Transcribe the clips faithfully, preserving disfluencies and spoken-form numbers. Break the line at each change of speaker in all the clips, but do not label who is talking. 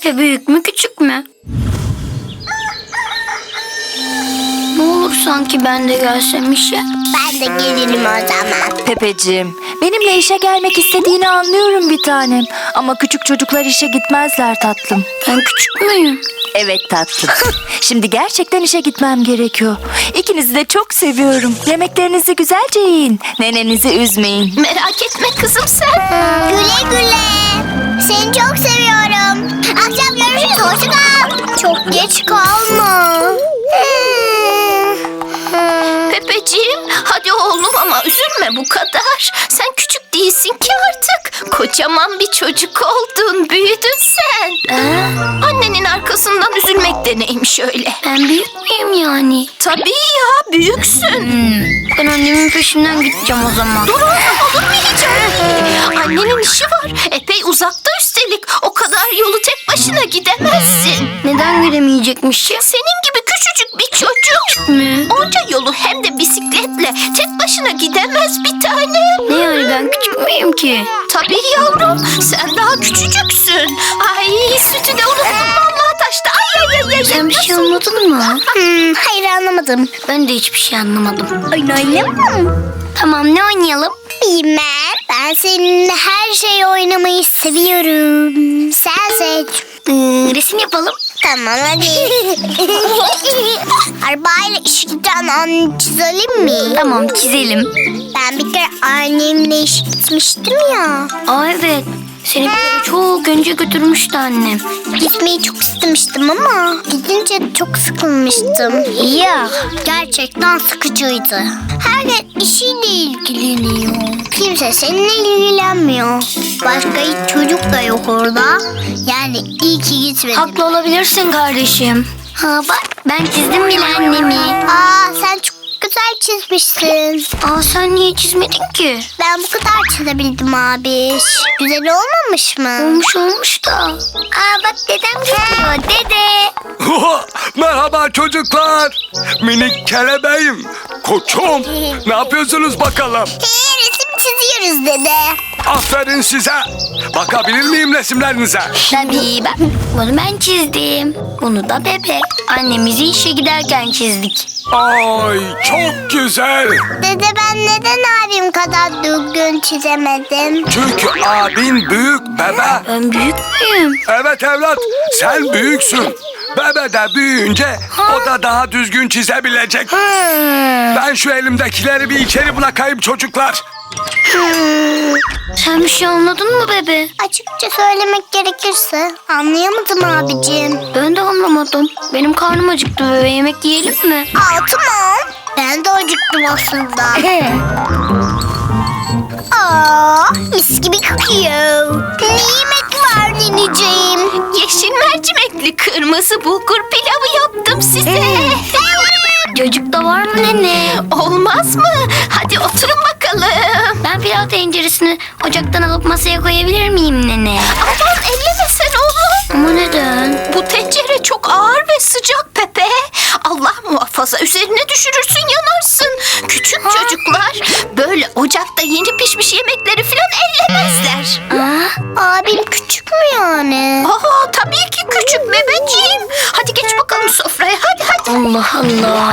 Pepe büyük mü küçük mü? Ne olur sanki ben de gelsem işe.
Ben de gelirim o zaman.
Pepeciğim, benimle işe gelmek istediğini anlıyorum bir tanem. Ama küçük çocuklar işe gitmezler tatlım.
Ben küçük müyüm?
Evet tatlım. Şimdi gerçekten işe gitmem gerekiyor. İkinizi de çok seviyorum. Yemeklerinizi güzelce yiyin. Nenenizi üzmeyin.
Merak etme kızım sen.
Güle güle. Seni çok seviyorum. Akşam görüşürüz. Hoşça kal. Çok geç kalma.
Pepeciğim hadi oğlum ama üzülme bu kadar. Sen küçük değilsin ki artık. Kocaman bir çocuk oldun, büyüdün sen.
Ee,
Annenin arkasından üzülmek de neymiş öyle.
ben büyük müyüm yani?
Tabii ya, büyüksün.
Ben annemin peşinden gideceğim o zaman.
Dur oğlum, olur mu hiç öyle? Annenin işi var. Epey uzakta üstelik. O kadar yolu tek başına gidemezsin.
Neden gidemeyecekmişim?
Senin gibi küçücük bir çocuk.
Mi?
Onca yolu hem de bisikletle tek başına gidemez bir tane.
Ne yani ben küçük müyüm ki?
Tabii yavrum, sen daha küçücüksün. Ay sütü de unuttum vallahi taşta. Ay ay ay ay.
Sen bir şey anladın mı?
Hmm, hayır anlamadım.
Ben de hiçbir şey anlamadım.
Oyun oynayalım mı?
Tamam ne oynayalım?
Bilmem. Ben seninle her şeyi oynamayı seviyorum. Sen seç.
Ee, resim yapalım.
Tamam hadi. Arabayla işe giden anne çizelim mi?
Tamam çizelim.
Ben bir kere annemle işe gitmiştim ya.
Aa evet. Seni bir kere çok önce götürmüştü annem.
Gitmeyi çok istemiştim ama gidince çok sıkılmıştım.
Ya.
Gerçekten sıkıcıydı. Herkes işiyle ilgileniyor. Kimse seninle ilgilenmiyor. Başka hiç çocuk da yok orada. Yani iyi ki gitmedim.
Haklı olabilirsin kardeşim. Ha bak ben çizdim bile annemi.
Aa sen çok güzel çizmişsin.
Aa sen niye çizmedin ki?
Ben bu kadar çizebildim abi. Güzel olmamış mı?
Olmuş olmuş da. Aa bak dedem geliyor dede.
Merhaba çocuklar. Minik kelebeğim. Koçum. Ne yapıyorsunuz bakalım?
Hey, resim çiziyoruz dede.
Aferin size. Bakabilir miyim resimlerinize?
Tabii bak bunu ben çizdim. Bunu da bebe. Annemizi işe giderken çizdik.
Ay çok güzel.
Dede ben neden abim kadar düzgün çizemedim?
Çünkü abin büyük bebe.
Ben büyük müyüm?
Evet evlat, sen büyüksün. Bebe de büyüyünce o da daha düzgün çizebilecek. Ben şu elimdekileri bir içeri bırakayım çocuklar.
Sen bir şey anladın mı bebe?
Açıkça söylemek gerekirse anlayamadım abicim.
Ben de anlamadım. Benim karnım acıktı bebe. Yemek yiyelim mi?
Aa tamam. Ben de acıktım aslında. Aa mis gibi kokuyor. Ne yemek var nineciğim?
Yeşil mercimekli kırmızı bulgur pilavı yaptım size.
Çocuk da var mı nene?
Olmaz mı? Hadi oturun bakalım.
Ben pilav tenceresini ocaktan alıp masaya koyabilir miyim nene?
Aman elleme sen oğlum.
Ama neden?
Bu tencere çok ağır ve sıcak Pepe. Allah muhafaza üzerine düşürürsün yanarsın. Küçük çocuklar böyle ocakta yeni pişmiş yemekleri falan ellemezler.
Aa,
Abim küçük mü yani?
Aa, tabii ki küçük bebeciğim. Hadi geç bakalım sofraya hadi hadi.
Allah Allah.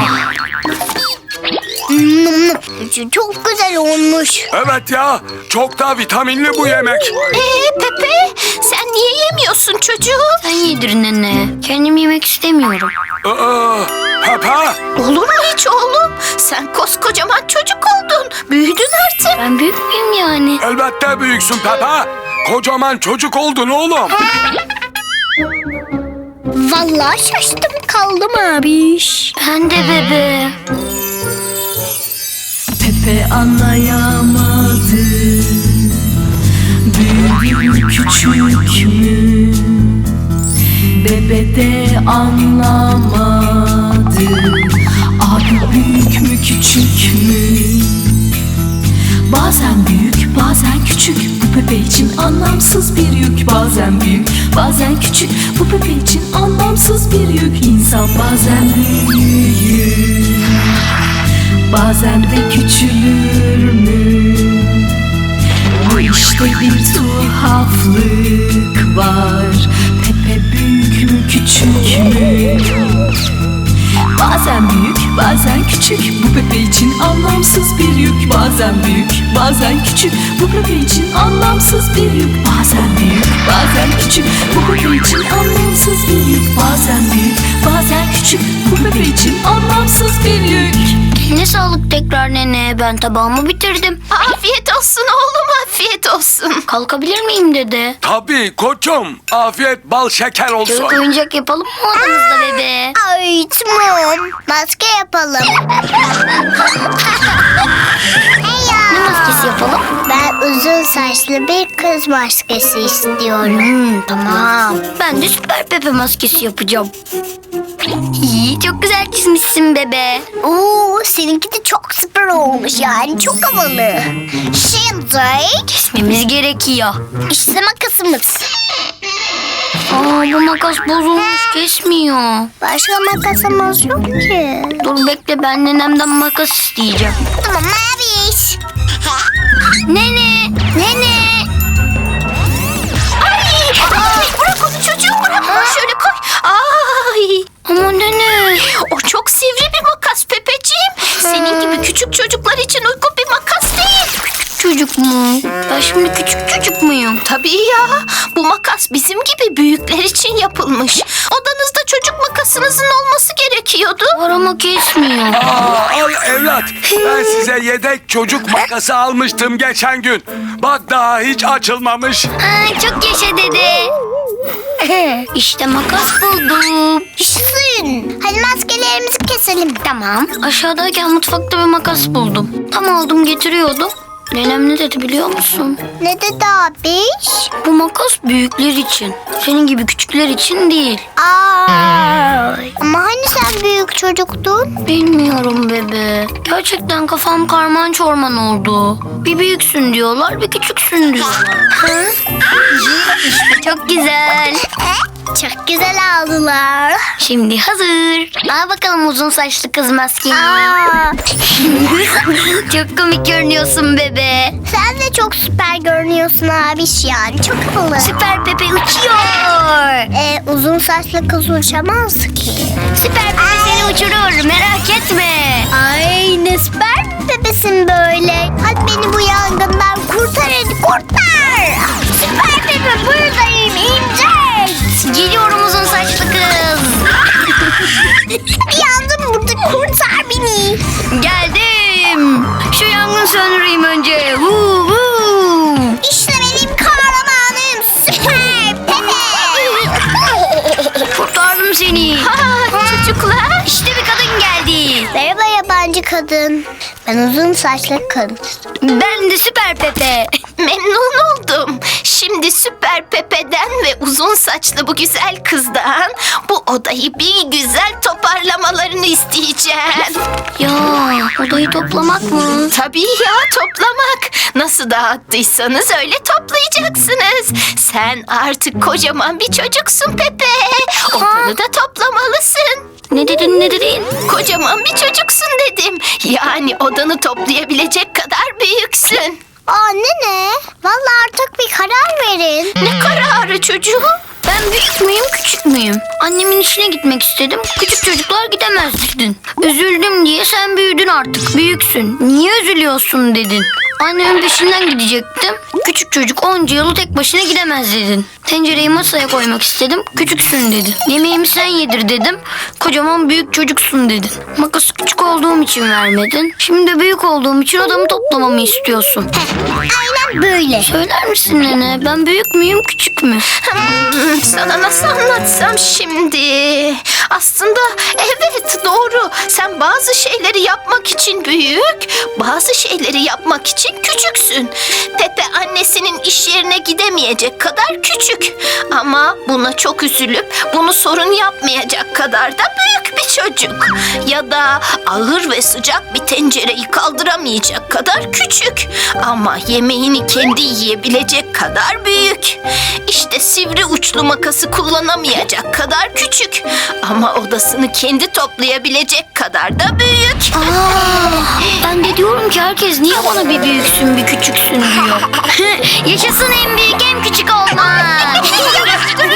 Hmm, çok güzel olmuş.
Evet ya, çok da vitaminli bu yemek.
Ee Pepe sen niye yemiyorsun çocuğu?
Sen yedir nene. Kendim yemek istemiyorum.
Aa, Pepe,
Olur mu hiç oğlum? Sen koskocaman çocuk oldun. Büyüdün artık.
Ben büyük müyüm yani?
elbette büyüksün Pepe. Kocaman çocuk oldun oğlum.
Vallahi şaştım kaldım abiş.
Ben de bebe.
Pepe anlayamadı, büyük mü küçük mü? Bebe de anlamadı, abi büyük mü küçük mü? Bazen büyük bazen küçük, bu Pepe için anlamsız bir yük. Bazen büyük bazen küçük, bu Pepe için anlamsız bir yük. İnsan bazen büyür, bazen de küçülür mü? Bu işte bir tuhaflık var. Pepe büyük mü küçük mü? Bazen büyük, bazen küçük. Bu Pepe için anlamsız bir yük. Bazen büyük, bazen küçük. Bu Pepe için anlamsız bir yük. Bazen büyük, bazen küçük. Bu Pepe için anlamsız bir yük. Bazen büyük, bazen küçük. Bu Pepe için anlamsız bir yük.
Eline sağlık tekrar nene. Ben tabağımı bitirdim.
Afiyet olsun oğlum, afiyet olsun.
Kalkabilir miyim dede?
Tabii koçum. Afiyet bal şeker olsun.
Çocuk oyuncak yapalım mı odanızda bebe?
Ay tamam. Maske yapalım. Hey ya.
Ne maskesi yapalım?
Ben uzun saçlı bir kız maskesi istiyorum.
Hmm, tamam. Ben de süper Pepe maskesi yapacağım. İyi, çok güzel çizmişsin bebe.
Oo, seninki de çok süper olmuş yani. Çok havalı. Şimdi
Kesmemiz gerekiyor.
işte makasımız.
Aa, bu makas bozulmuş, kesmiyor.
Başka makasımız yok ki.
Dur bekle, ben nenemden makas isteyeceğim.
Tamam Maviş.
Nene! Nene!
Ay, bırak onu çocuğum, bırak onu, şöyle koy. Ay,
Ama nene!
o çok sivri bir makas Pepeciğim. Senin gibi küçük çocuklar için uygun bir makas değil.
Çocuk mu? Ben şimdi küçük çocuk muyum?
Tabii ya, bu makas bizim gibi büyükler için yapılmış. Odanızda çocuk makasınızın olması gerekiyordu.
Var ama kesmiyor.
Aa, al evlat. Ben size yedek çocuk makası almıştım geçen gün. Bak daha hiç açılmamış.
Aa, çok yaşa dede. İşte makas buldum.
Yaşasın. Hadi maskelerimizi keselim.
Tamam. Aşağıdayken mutfakta bir makas buldum. Tam aldım getiriyordum. Nenem ne dedi biliyor musun?
Ne dedi abiş?
Bu makas büyükler için. Senin gibi küçükler için değil.
Aa. Ama hani sen büyük çocuktun?
Bilmiyorum bebe. Gerçekten kafam karman çorman oldu. Bir büyüksün diyorlar, bir küçüksün diyorlar. Hı? İşte çok güzel.
Çok güzel aldılar.
Şimdi hazır. Al bakalım uzun saçlı kız maskeyi.
Aa,
Çok komik görünüyorsun bebe.
sen de çok süper görünüyorsun abiş yani. Çok havalı.
Süper Pepe uçuyor.
Ee, uzun saçlı kız uçamaz ki.
Süper Pepe seni uçurur, merak etme.
Ay ne süper bir bebesin böyle. Hadi beni bu yangından kurtar hadi kurtar. Süper bebe buradayım inecek.
Geliyorum uzun saçlı kız.
Yandım burada kurtar beni.
Geldim. Şu yangın söndüreyim önce. Huu, huu.
İşte benim kahramanım süper bebe.
Kurtardım seni.
Aa, çocuklar.
İşte bir kadın geldi.
Merhaba yabancı kadın. Ben uzun saçlı kız.
Ben de Süper Pepe.
Memnun oldum. Şimdi Süper Pepe'den ve uzun saçlı bu güzel kızdan bu odayı bir güzel toparlamalarını isteyeceğim.
Ya odayı toplamak mı?
Tabii ya, toplamak. Nasıl dağıttıysanız öyle toplayacaksınız. Sen artık kocaman bir çocuksun Pepe. Odanı da toplamalısın.
Ne dedin ne dedin?
Kocaman bir çocuksun dedim. Yani odanı toplayabilecek kadar büyüksün.
Aa nene. Vallahi artık bir karar verin.
Ne kararı çocuğum?
Ben büyük müyüm küçük müyüm? Annemin işine gitmek istedim. Küçük çocuklar gidemez dedin. Üzüldüm diye sen büyüdün artık. Büyüksün. Niye üzülüyorsun dedin. Annemin peşinden gidecektim. Küçük çocuk onca yolu tek başına gidemez dedin. Tencereyi masaya koymak istedim. Küçüksün dedin. Yemeğimi sen yedir dedim. Kocaman büyük çocuksun dedin. Makası küçük olduğum için vermedin. Şimdi de büyük olduğum için odamı toplamamı istiyorsun.
Aynen böyle.
Söyler misin nene? Ben büyük müyüm küçük mü?
Hmm, sana nasıl anlatsam şimdi? Aslında evet, doğru. Sen bazı şeyleri yapmak için büyük, bazı şeyleri yapmak için küçüksün. Pepe annesinin iş yerine gidemeyecek kadar küçük. Ama buna çok üzülüp bunu sorun yapmayacak kadar da büyük bir çocuk. Ya da ağır ve sıcak bir tencereyi kaldıramayacak kadar küçük. Ama yemeğini kendi yiyebilecek kadar büyük. İşte sivri uçlu makası kullanamayacak kadar küçük. Ama odasını kendi toplayabilecek kadar da büyük.
Aa, ben de diyorum Peki herkes niye bana bir büyüksün bir küçüksün diyor? Yaşasın en büyük en küçük olmak.